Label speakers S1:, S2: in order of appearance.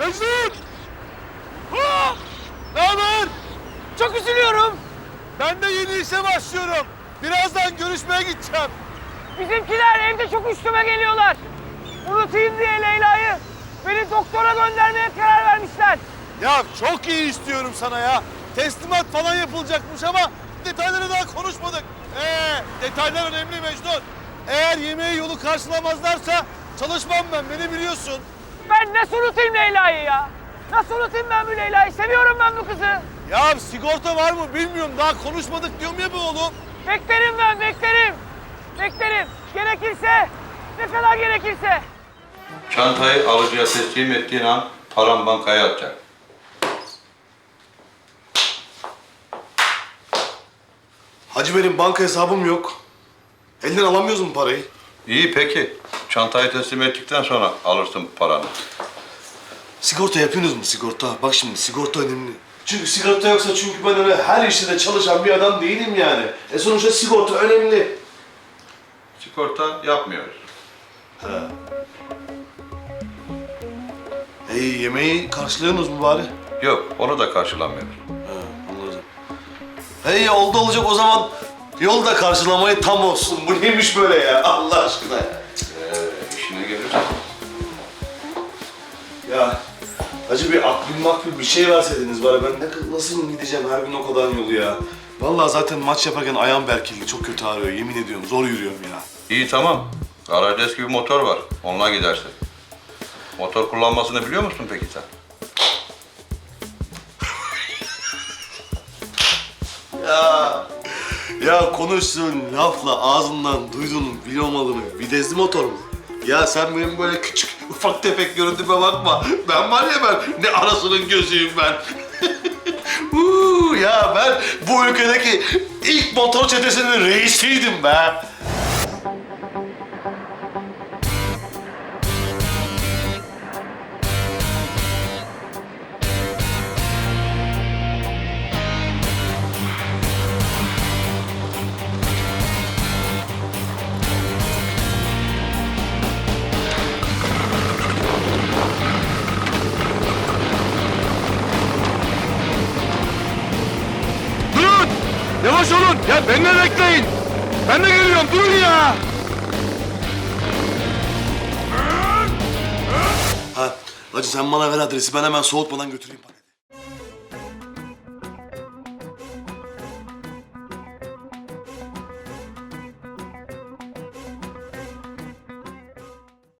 S1: Mecnun! Ne haber?
S2: Çok üzülüyorum.
S1: Ben de yeni işe başlıyorum. Birazdan görüşmeye gideceğim.
S2: Bizimkiler evde çok üstüme geliyorlar. Unutayım diye Leyla'yı beni doktora göndermeye karar vermişler.
S1: Ya çok iyi istiyorum sana ya. Teslimat falan yapılacakmış ama detayları daha konuşmadık. Detaylar önemli Mecnun. Eğer yemeği yolu karşılamazlarsa çalışmam ben, beni biliyorsun.
S2: Ben nasıl unutayım Leyla'yı ya? Nasıl unutayım ben bu Leyla'yı? Seviyorum ben bu kızı.
S1: Ya sigorta var mı bilmiyorum, daha konuşmadık diyorum ya be oğlum.
S2: Beklerim ben, beklerim. Beklerim. Gerekirse, ne kadar gerekirse.
S3: Çantayı alıcıya teslim ettiğin an param bankaya atacak.
S4: Hacı benim banka hesabım yok. Elden alamıyoruz mu parayı?
S3: İyi peki. Çantayı teslim ettikten sonra alırsın paranı.
S4: Sigorta yapıyorsunuz mu sigorta? Bak şimdi sigorta önemli. Çünkü sigorta yoksa ben öyle her işte de çalışan bir adam değilim yani. Sonuçta sigorta önemli.
S3: Sigorta yapmıyoruz.
S4: Yemeği karşılıyorsunuz mu bari?
S3: Yok, onu da karşılamıyoruz.
S4: Anladım. Oldu olacak o zaman. Yol da karşılamayı tam olsun. Bu neymiş böyle ya Allah aşkına ya.
S3: İşine gelir.
S4: Ya Hacı bir akbil bir şey verseydiniz bari ben nasıl gideceğim her gün o kadar yolu ya. Vallahi zaten maç yaparken ayağım berkildi, çok kötü ağrıyor yemin ediyorum, zor yürüyorum ya.
S3: İyi tamam. Garajda eski bir motor var. Onunla gidersin. Motor kullanmasını biliyor musun peki sen?
S4: Ya konuştuğun lafla ağzından duyduğun bilyomalını vitesli motor mu? Ya sen benim böyle küçük ufak tefek görüntüme bakma. Ben var ya ne arasının gözüyüm ben. Ya ben bu ülkedeki ilk motor çetesinin reisiydim be.
S1: Durun! Yavaş olun! Ya beni de bekleyin! Ben de geliyorum, durun ya!
S4: Ha, Hacı sen bana ver adresi, ben hemen soğutmadan götüreyim.